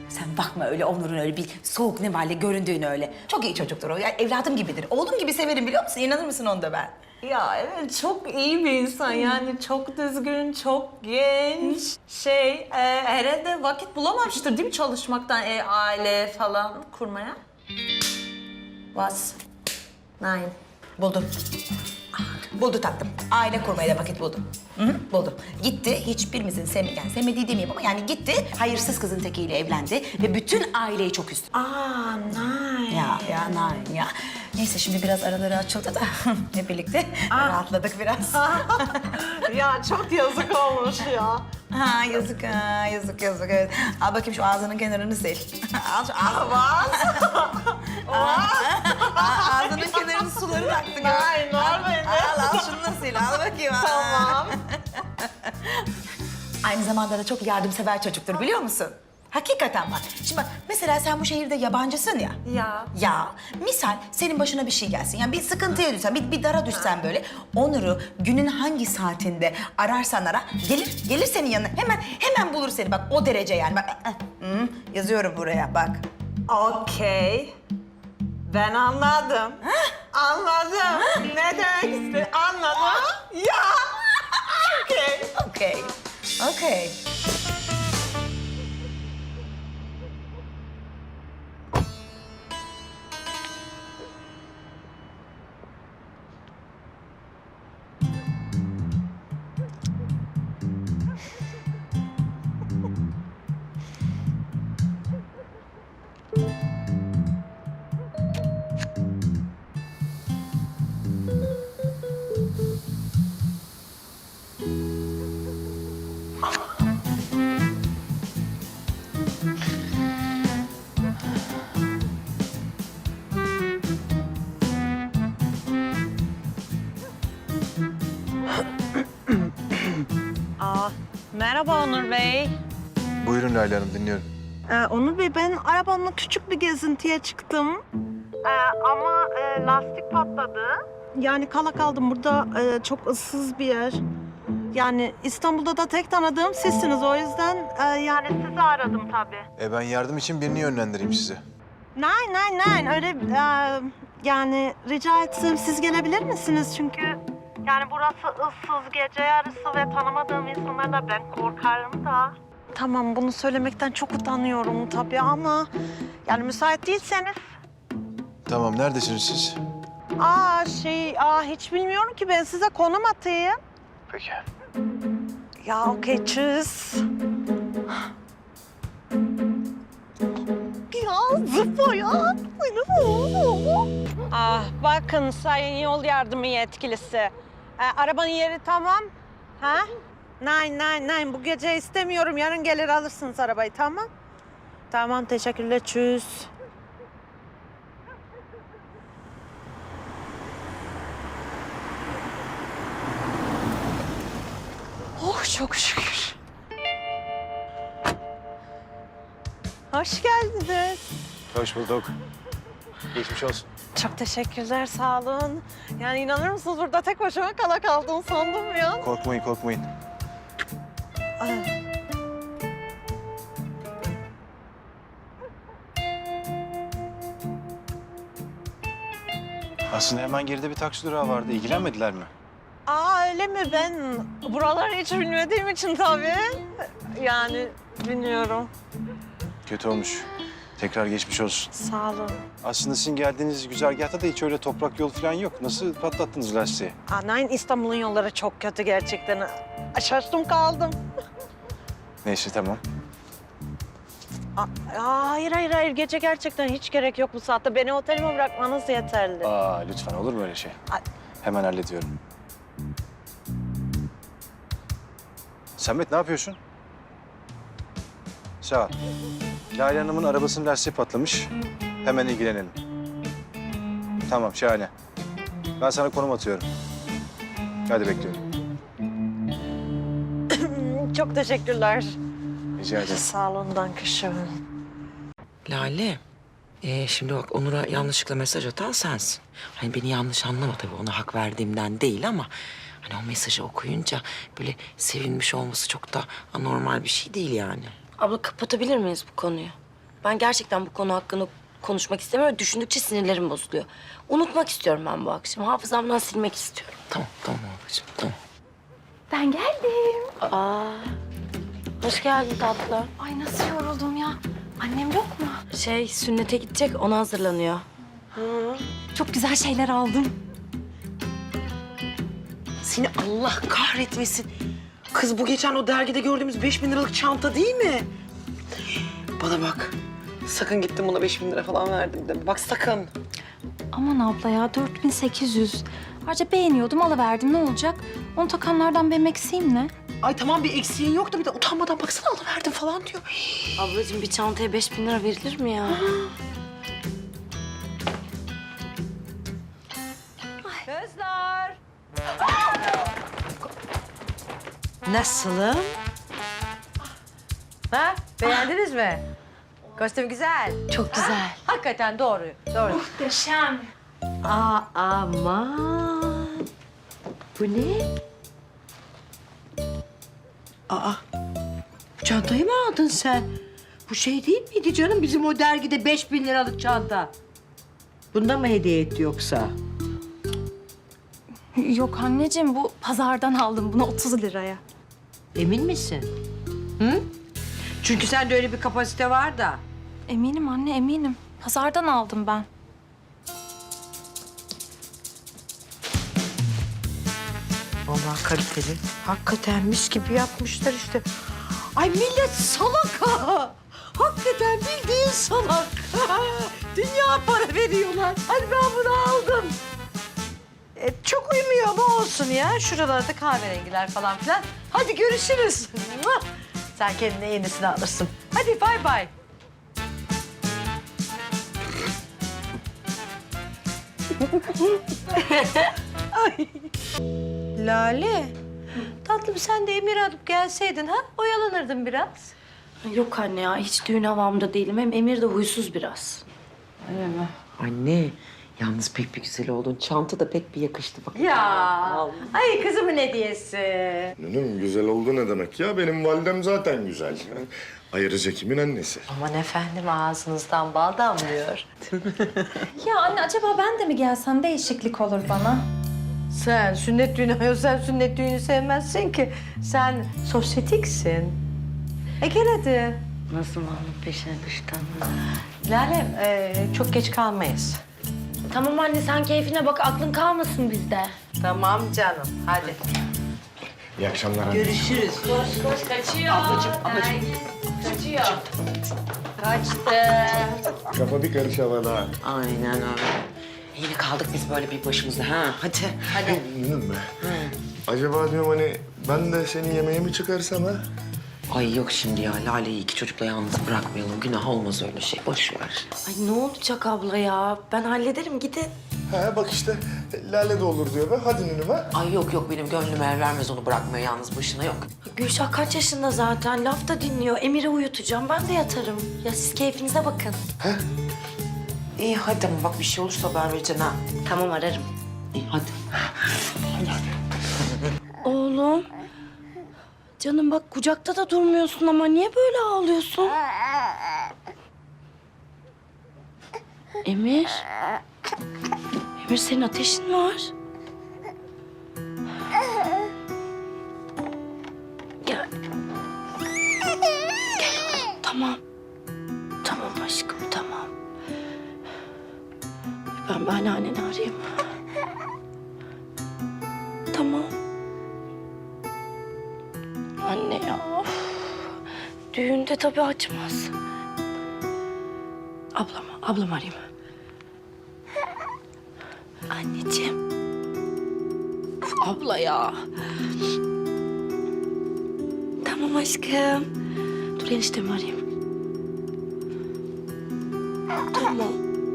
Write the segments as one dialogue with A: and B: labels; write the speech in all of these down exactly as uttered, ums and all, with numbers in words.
A: Sen bakma öyle Onur'un öyle bir soğuk nevale göründüğünü öyle. Çok iyi çocuktur o. Ya evladım gibidir. Oğlum gibi severim biliyor musun? İnanır mısın onda ben?
B: Ya evet çok iyi bir insan yani çok düzgün, çok genç. Şey e, herhalde vakit bulamamıştır değil mi çalışmaktan e, aile falan kurmaya?
A: Was?
B: Nine.
A: Buldum. Buldu tatlım. Aile kurmaya da vakit buldum. Hı hı, buldum. Gitti, hiçbirimizin sevme, yani sevmediği demeyeyim ama yani gitti, hayırsız kızın tekiyle evlendi ve bütün aileyi çok üzdü.
B: Aa nine.
A: Ya, ya, narin ya. Neyse şimdi biraz araları açıldı da hep birlikte rahatladık biraz.
B: Ya çok yazık olmuş ya.
A: Ha yazık ha, yazık yazık evet. Al bakayım şu ağzının kenarını sil. Al şu ağzını. Aa, ağzının kenarını suları aktı. gör.
B: Hayır, var bende.
A: Al, al şunu da sil, al bakayım. al.
B: Tamam.
A: Aynı zamanda da çok yardımsever çocuktur biliyor musun? Hakikaten bak. Şimdi bak mesela sen bu şehirde yabancısın ya.
B: Ya.
A: Ya misal senin başına bir şey gelsin. Yani bir sıkıntıya düşsen, bir, bir dara düşsen böyle. Onur'u günün hangi saatinde ararsan ara gelir. Gelir senin yanına. Hemen hemen bulur seni bak o derece yani. Bak hı, yazıyorum buraya bak.
B: Okey. Ben anladım. Anladım. Ne demek istedi? Anladım. Ya. Okey.
A: Okey. Okey.
C: Aa, merhaba Onur Bey.
D: Buyurun Lale Hanım, dinliyorum.
C: Ee, Onur Bey, ben arabamla küçük bir gezintiye çıktım. Ee, ama e, lastik patladı. Yani kala kaldım. Burada e, çok ıssız bir yer. Yani İstanbul'da da tek tanıdığım sizsiniz. O yüzden e, yani sizi aradım tabii.
D: E ben yardım için birini yönlendireyim size.
C: Nein, nein, nein. Öyle e, yani rica etsem siz gelebilir misiniz? Çünkü yani burası ıssız, gece yarısı ve tanımadığım insanlarla ben korkarım da. Tamam, bunu söylemekten çok utanıyorum tabii ama yani müsait değilseniz.
D: Tamam, neredesiniz siz?
C: Aa şey, aa hiç bilmiyorum ki, ben size konum atayım.
D: Peki.
C: Ya okey, tschüss. Ya zıpla ya. Ah bakın sayın yol yardımı yetkilisi. Ee, arabanın yeri tamam. Ha? Nein, nein, nein. Bu gece istemiyorum. Yarın gelir alırsınız arabayı, tamam? Tamam, teşekkürler. Tschüss. Oh, çok şükür. Hoş geldiniz.
D: Hoş bulduk. Geçmiş olsun.
C: Çok teşekkürler, sağ olun. Yani inanır mısınız, burada tek başıma kala kaldım sandım ya.
D: Korkmayın, korkmayın.
C: Ay.
D: Aslında hemen geride bir taksi durağı vardı. İlgilenmediler mi?
C: Aa öyle mi? Ben buraları hiç bilmediğim için tabii. Yani bilmiyorum.
D: Kötü olmuş. Tekrar geçmiş olsun.
C: Sağ olun.
D: Aslında sizin geldiğiniz güzergahta da hiç öyle toprak yol falan yok. Nasıl patlattınız lastiği?
C: Anayın İstanbul'un yolları çok kötü gerçekten. Şaştım kaldım.
D: Neyse, tamam.
C: Aa, hayır hayır hayır, gece gerçekten hiç gerek yok bu saatte. Beni otelime bırakmanız yeterli.
D: Aa, lütfen, olur mu öyle şey?
C: Ay.
D: Hemen hallediyorum. Samet, ne yapıyorsun? Sağ ol. Lale Hanım'ın arabasının lastiği patlamış. Hemen ilgilenelim. Tamam, şahane. Ben sana konum atıyorum. Hadi bekliyorum.
C: Çok teşekkürler.
D: Rica ederim.
C: Sağ olun, danke schön.
E: Lale, ee, şimdi bak Onur'a yanlışlıkla mesaj atan sensin. Hani beni yanlış anlama tabii, ona hak verdiğimden değil ama... ...hani o mesajı okuyunca böyle sevinmiş olması çok da anormal bir şey değil yani.
F: Abla kapatabilir miyiz bu konuyu? Ben gerçekten bu konu hakkında konuşmak istemiyorum. Düşündükçe sinirlerim bozuluyor. Unutmak istiyorum ben bu akşam. Hafızamdan silmek istiyorum.
E: Tamam tamam ablacığım tamam.
F: Ben geldim. Aa, hoş geldin tatlı.
G: Ay nasıl yoruldum ya. Annem yok mu?
F: Şey, sünnete gidecek, ona hazırlanıyor.
G: Çok güzel şeyler aldım.
E: Seni Allah kahretmesin. Kız bu geçen o dergide gördüğümüz beş bin liralık çanta değil mi? Bana bak. Sakın gittim buna beş bin lira falan verdim deme. Bak sakın.
G: Aman abla ya dört bin sekiz yüz. Ayrıca beğeniyordum alıverdim ne olacak? Onu takanlardan benim eksiğim ne?
E: Ay tamam bir eksiğin yok da bir de utanmadan baksana alıverdim falan diyor.
F: Ablacığım bir çantaya beş bin lira verilir mi ya?
H: Kızlar. Nasılım? Ha? Beğendiniz mi? Kostüm güzel.
G: Çok güzel.
H: Hakikaten doğru. Doğru.
G: Muhteşem.
H: Aa, aman. Bu ne? Aa, bu çantayı mı aldın sen? Bu şey değil miydi canım bizim o dergide beş bin liralık çanta? Bunda mı hediye etti yoksa?
G: Yok anneciğim bu pazardan aldım bunu otuz liraya.
H: Emin misin? Hı? Çünkü sende öyle bir kapasite var da.
G: Eminim anne eminim. Pazardan aldım ben.
H: Vallahi kaliteli. Hakikaten mis gibi yapmışlar işte. Ay millet salak ha. Hakikaten bildiğin salak. Dünya para veriyorlar. Hadi ben bunu aldım. E, çok uymuyor ama olsun ya. Şuralarda kahverengiler falan filan. Hadi görüşürüz. Mua! Sen kendine yenisini alırsın. Hadi bay bay. Ay. Lale. Tatlım sen de Emir alıp gelseydin ha? Oyalanırdın biraz.
F: Yok anne ya, hiç düğün havamda değilim. Hem Emir de huysuz biraz.
E: Anne yalnız pek bir güzel oldun. Çanta da pek bir yakıştı bak.
H: Ya. Ay kızımın hediyesi.
I: Canım güzel oldu ne demek ya? Benim validem zaten güzel. Ayrıca kimin annesi?
H: Aman efendim ağzınızdan bal damlıyor.
G: Ya anne acaba ben de mi gelsem değişiklik olur bana.
H: Sen sünnet düğünü, hayır sen sünnet düğünü sevmezsin ki. Sen sosyetiksin. E gel hadi.
F: Nasıl Mahmut peşine düştü?
H: Lalem e, çok geç kalmayız.
F: Tamam anne, sen keyfine bak, aklın kalmasın bizde.
H: Tamam canım hadi.
I: İyi akşamlar anne.
H: Görüşürüz.
F: Koş koş, kaçıyor.
E: Ablacığım, ablacığım.
F: Kaçıyor.
H: Kaçtı.
I: Kafa bir karış havada.
E: Aynen öyle. Yine kaldık biz böyle bir başımıza ha. Hadi.
H: Hadi.
I: Anladın mı? Acaba diyorum hani ben de seni yemeğe mi çıkarsam ha?
E: Ay yok şimdi ya. Lale'yi iki çocukla yalnız bırakmayalım. Günah olmaz öyle şey. Boş ver.
F: Ay ne olacak abla ya? Ben hallederim, gidin.
I: Ha bak işte Lale de olur diyor be. Hadi Nünüm ha.
E: Ay yok yok benim gönlüm el vermez onu bırakmaya yalnız başına yok.
F: Gülşah kaç yaşında zaten? Laf da dinliyor. Emir'i uyutacağım. Ben de yatarım. Ya siz keyfinize bakın.
E: İyi hadi ama bak bir şey olursa haber vereceksin ha.
F: Tamam, ararım.
E: İyi hadi.
F: Oğlum. Canım bak, kucakta da durmuyorsun ama niye böyle ağlıyorsun? Emir. Emir, senin ateşin var. Gel. Gel oğlum, tamam. Tamam aşkım, tamam. Ben bir anneanneni arayayım. Tamam. Anne ya. Of. Düğünde tabii açmaz. Ablam, ablam arayayım. Anneciğim. Of, abla ya. Tamam aşkım. Dur eniştemi arayayım. Tamam.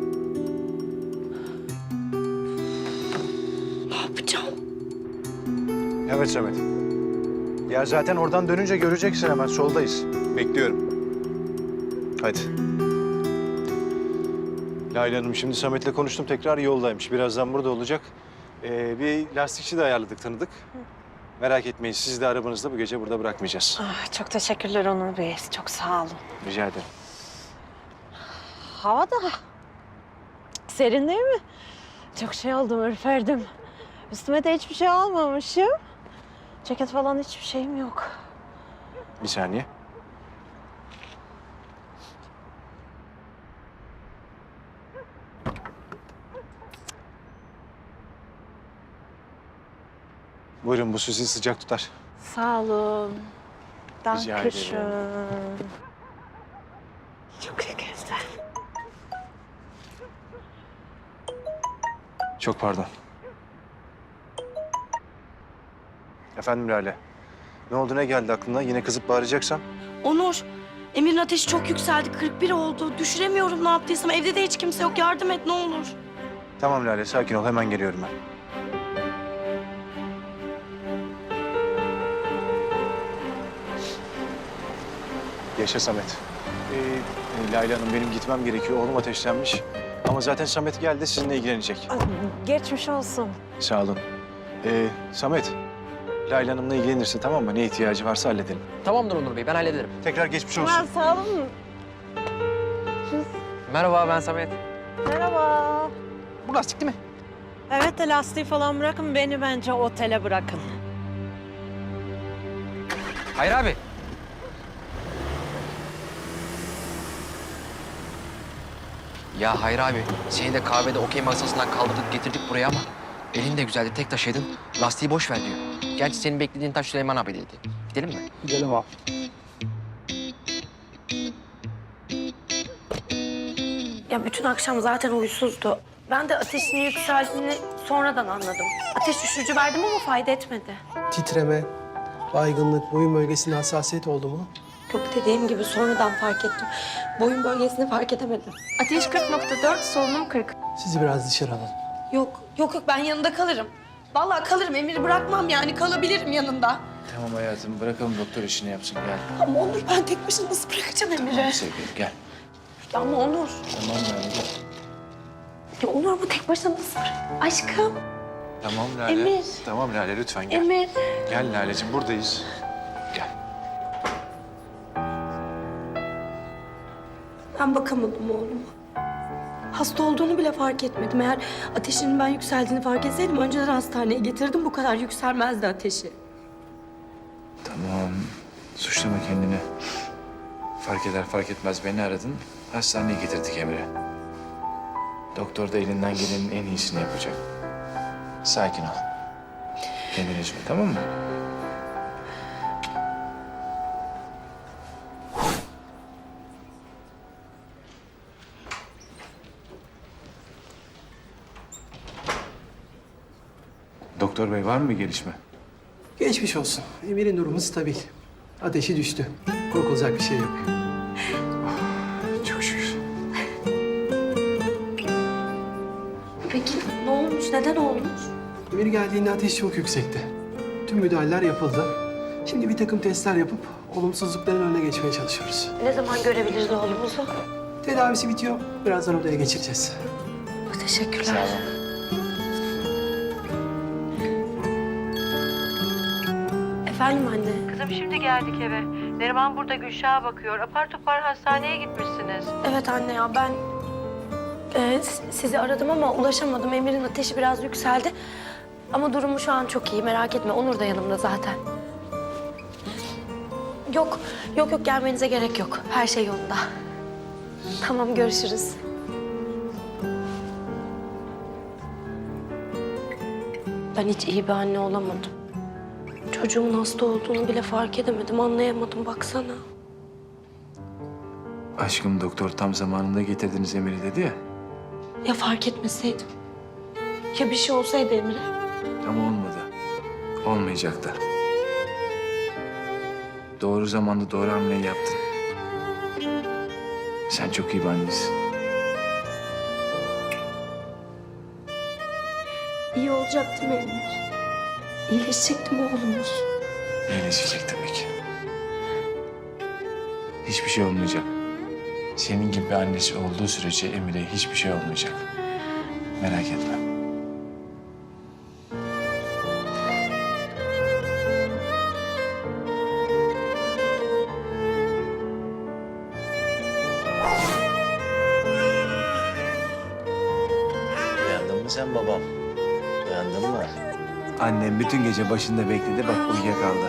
F: Ne yapacağım?
D: Evet Samet. Ya zaten oradan dönünce göreceksin hemen soldayız. Bekliyorum. Hadi. Lale Hanım şimdi Samet'le konuştum tekrar yoldaymış. Birazdan burada olacak. Ee, bir lastikçi de ayarladık tanıdık. Merak etmeyin sizi de arabanızda bu gece burada bırakmayacağız.
C: Ah, çok teşekkürler Onur Bey. Çok sağ olun.
D: Rica ederim.
C: hava da serin değil mi? Çok şey oldum, ürperdim. Üstüme de hiçbir şey almamışım. Ceket falan hiçbir şeyim yok.
D: Bir saniye. Buyurun, bu sizi sıcak tutar.
C: Sağ olun.
D: Rica
C: Dankeschön.
D: ederim.
C: Çok güzel.
D: Çok pardon. Efendim Lale. Ne oldu, ne geldi aklına? Yine kızıp bağıracaksan?
F: Onur, Emir'in ateşi çok yükseldi. kırk bir oldu. Düşüremiyorum ne yaptıysam. Evde de hiç kimse yok. Yardım et ne olur.
D: Tamam Lale, sakin ol. Hemen geliyorum ben. Yaşa Samet. Ee, e, Lale Hanım, benim gitmem gerekiyor. Oğlum ateşlenmiş. Ama zaten Samet geldi, sizinle ilgilenecek.
C: Geçmiş olsun.
D: Sağ olun. Ee, Samet, Lale Hanım'la ilgilenirsin, tamam mı? Ne ihtiyacı varsa halledelim.
J: Tamamdır Onur Bey, ben hallederim.
D: Tekrar geçmiş olsun.
C: Ha, sağ olun.
J: Merhaba, ben Samet.
C: Merhaba.
J: Bu lastik değil mi?
C: Evet de lastiği falan bırakın, beni bence otele bırakın.
J: Hayır abi. Ya Hayır abi, seni de kahvede okey masasından kaldırdık getirdik buraya ama elin de güzeldi, tek taşıydın. Lastiği boş ver diyor. Gerçi senin beklediğin taş Süleyman abideydi. Gidelim mi? Gidelim abi.
F: Ya bütün akşam zaten huysuzdu. Ben de ateşinin yükseldiğini sonradan anladım. Ateş düşürücü verdim ama fayda etmedi.
K: Titreme, baygınlık, boyun bölgesinde hassasiyet oldu mu?
F: Yok dediğim gibi sonradan fark ettim. Boyun bölgesini fark edemedim.
G: Ateş kırk nokta dört, solunum kırk.
K: Sizi biraz dışarı alalım.
F: Yok, yok yok ben yanında kalırım. Vallahi kalırım, Emir'i bırakmam yani kalabilirim yanında.
D: Tamam hayatım, bırakalım doktor işini yapsın. Gel.
F: Ama Onur ben tek başına nasıl bırakacağım Emir'i?
D: Sevgilim, gel.
F: Ya ama Onur.
D: Tamam Lale, gel.
F: Ya Onur bu tek başına nasıl bırak? Aşkım,
D: Tamam Lale.
F: Emir.
D: Tamam Lale, lütfen gel.
F: Emir.
D: Gel Lale'cim, buradayız. Gel.
F: Ben bakamadım oğluma. Hasta olduğunu bile fark etmedim. Eğer ateşinin ben yükseldiğini fark etseydim önceden hastaneye getirdim. Bu kadar yükselmezdi ateşi.
D: Tamam, suçlama kendini. Fark eder fark etmez beni aradın. Hastaneye getirdik Emre. Doktor da elinden gelenin en iyisini yapacak. Sakin ol. Kendini üzme, tamam mı? Doktor bey, var mı bir gelişme?
K: Geçmiş olsun. Emir'in durumu stabil. Ateşi düştü. Korkulacak bir şey yok.
D: Çok şükür.
F: Peki ne olmuş? Neden olmuş?
K: Emir geldiğinde ateş çok yüksekti. Tüm müdahaleler yapıldı. Şimdi bir takım testler yapıp olumsuzlukların önüne geçmeye çalışıyoruz.
F: Ne zaman görebiliriz oğlumuzu?
K: Tedavisi bitiyor. Birazdan odaya geçireceğiz.
F: Teşekkürler. Efendim anne.
C: Kızım şimdi geldik eve. Neriman burada Gülşah'a bakıyor. Apar topar hastaneye gitmişsiniz.
F: Evet anne ya ben e, s- sizi aradım ama ulaşamadım. Emir'in ateşi biraz yükseldi. Ama durumu şu an çok iyi merak etme. Onur da yanımda zaten. Yok, yok yok gelmenize gerek yok. Her şey yolunda. Tamam görüşürüz. Ben hiç iyi bir anne olamadım. Çocuğumun hasta olduğunu bile fark edemedim, anlayamadım baksana.
D: Aşkım, doktor tam zamanında getirdiniz Emir'i dedi ya.
F: Ya fark etmeseydim? Ya bir şey olsaydı Emre?
D: Ama olmadı. Olmayacak da. Doğru zamanda doğru hamleyi yaptın. Sen çok iyi bir annesin.
F: İyi olacak değil mi Emir? İyileşecek değil mi oğlumuz?
D: İyileşecek tabii ki. Hiçbir şey olmayacak. Senin gibi annesi olduğu sürece Emir'e hiçbir şey olmayacak. Merak etme. sen babam? Uyandın mı? Annem bütün gece başında bekledi, bak uyuyakaldı.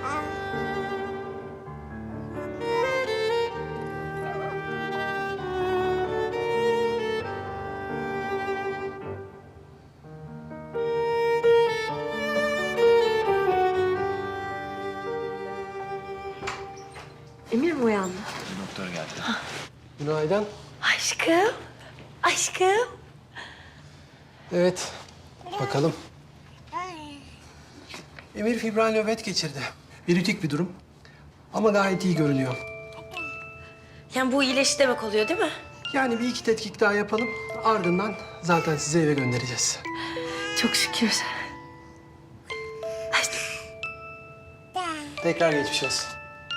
F: Emir mi uyandı?
D: Doktor geldi.
K: Günaydın.
F: Aşkım. Aşkım.
K: Evet, bakalım. Emir fibral nöbet geçirdi. Virütik bir durum. Ama gayet iyi görünüyor.
F: Yani bu iyileşti demek oluyor değil mi?
K: Yani bir iki tetkik daha yapalım. Ardından zaten sizi eve göndereceğiz.
F: Çok şükür.
K: Tekrar geçmiş olsun.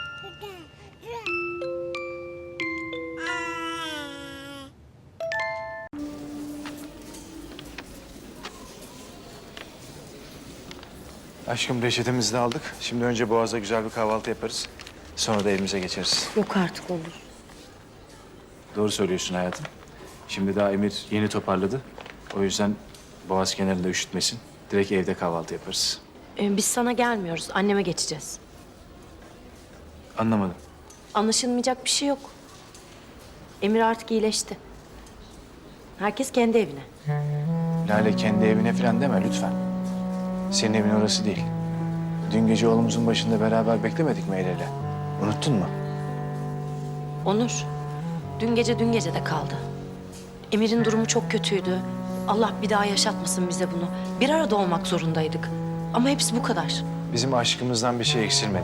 D: Aşkım reçetemizi de aldık. Şimdi önce Boğaz'da güzel bir kahvaltı yaparız. Sonra da evimize geçeriz.
F: Yok artık olur.
D: Doğru söylüyorsun hayatım. Şimdi daha Emir yeni toparladı. O yüzden Boğaz kenarında üşütmesin. Direkt evde kahvaltı yaparız.
F: Ee, biz sana gelmiyoruz. Anneme geçeceğiz.
D: Anlamadım.
F: Anlaşılmayacak bir şey yok. Emir artık iyileşti. Herkes kendi evine.
D: Lale kendi evine falan deme lütfen. Senin evin orası değil. Dün gece oğlumuzun başında beraber beklemedik mi el ele? Unuttun mu?
F: Onur, dün gece dün gece de kaldı. Emir'in durumu çok kötüydü. Allah bir daha yaşatmasın bize bunu. Bir arada olmak zorundaydık. Ama hepsi bu kadar.
D: Bizim aşkımızdan bir şey eksilmedi.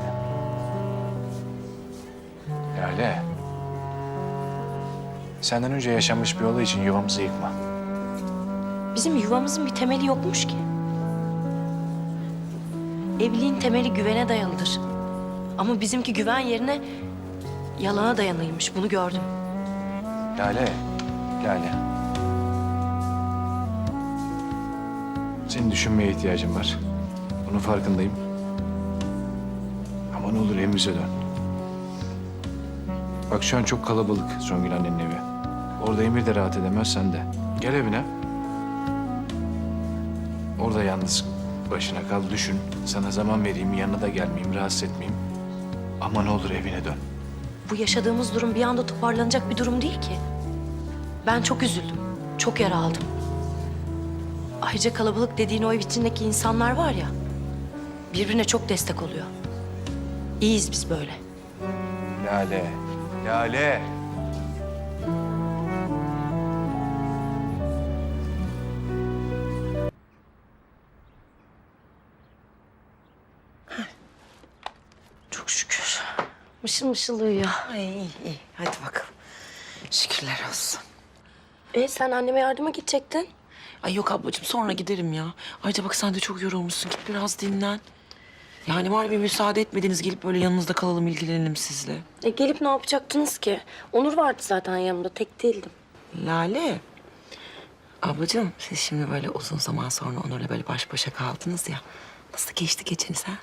D: Lale. Senden önce yaşanmış bir olay için yuvamızı yıkma.
F: Bizim yuvamızın bir temeli yokmuş ki. Evliliğin temeli güvene dayalıdır. Ama bizimki güven yerine yalana dayanıymış. Bunu gördüm.
D: Lale, Lale. Senin düşünmeye ihtiyacın var. Bunun farkındayım. Ama ne olur evimize dön. Bak şu an çok kalabalık Songül annenin evi. Orada Emir de rahat edemez, sen de. Gel evine. Orada yalnız başına kal, düşün. Sana zaman vereyim, yanına da gelmeyeyim, rahatsız etmeyeyim. Ama ne olur evine dön.
F: Bu yaşadığımız durum bir anda toparlanacak bir durum değil ki. Ben çok üzüldüm. Çok yara aldım. Ayrıca kalabalık dediğin o ev içindeki insanlar var ya, birbirine çok destek oluyor. İyiyiz biz böyle.
D: Lale, Lale.
F: Çok şükür. Mışıl mışıl uyuyor.
E: Ay iyi iyi. Hadi bakalım. Şükürler olsun.
F: E sen anneme yardıma gidecektin.
E: Ay yok ablacığım sonra giderim ya. Ayrıca bak sen de çok yorulmuşsun. Git biraz dinlen. Yani var bir müsaade etmediniz gelip böyle yanınızda kalalım ilgilenelim sizle.
F: E gelip ne yapacaktınız ki? Onur vardı zaten yanımda. Tek değildim.
E: Lale. Ablacığım siz şimdi böyle uzun zaman sonra Onur'la böyle baş başa kaldınız ya. Nasıl geçti geceniz ha?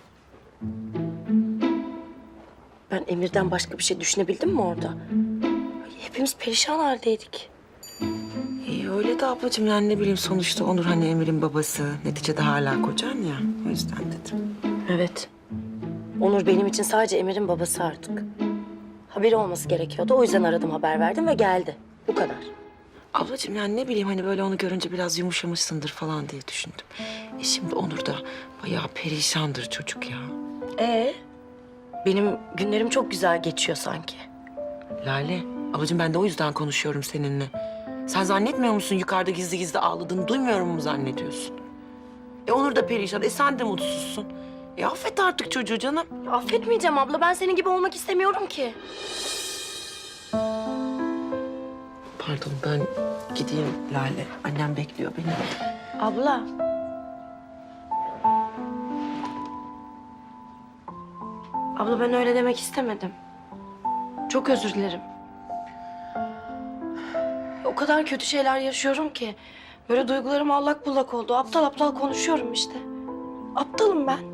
F: Ben Emir'den başka bir şey düşünebildim mi orada? Ay, hepimiz perişan haldeydik.
E: İyi öyle de ablacığım yani ne bileyim sonuçta Onur hani Emir'in babası. Neticede hala kocan ya. O yüzden dedim.
F: Evet. Onur benim için sadece Emir'in babası artık. Haberi olması gerekiyordu. O yüzden aradım, haber verdim ve geldi. Bu kadar.
E: Ablacığım yani ne bileyim hani böyle onu görünce biraz yumuşamışsındır falan diye düşündüm. E şimdi Onur da bayağı perişandır çocuk ya.
F: Ee, benim günlerim çok güzel geçiyor sanki.
E: Lale, ablacığım ben de o yüzden konuşuyorum seninle. Sen zannetmiyor musun yukarıda gizli gizli ağladığını duymuyorum mu zannediyorsun? E Onur da perişan, e sen de mutsuzsun. E affet artık çocuğu canım.
F: Affetmeyeceğim abla. Ben senin gibi olmak istemiyorum ki.
E: Pardon ben gideyim Lale. Annem bekliyor beni.
F: Abla. Abla ben öyle demek istemedim. Çok özür dilerim. O kadar kötü şeyler yaşıyorum ki. Böyle duygularım allak bullak oldu. Aptal aptal konuşuyorum işte. Aptalım ben.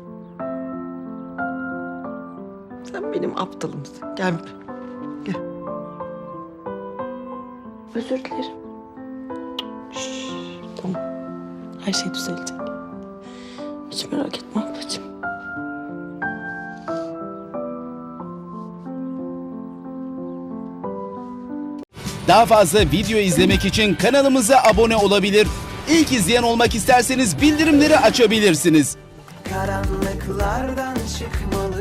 E: Sen benim aptalımsın. Gel. Gel.
F: Özür dilerim.
E: Tamam. Her şey düzelecek. Hiç merak etme ablacığım.
L: Daha fazla video izlemek için kanalımıza abone olabilir. İlk izleyen olmak isterseniz bildirimleri açabilirsiniz.
M: Karanlıklardan çıkmalı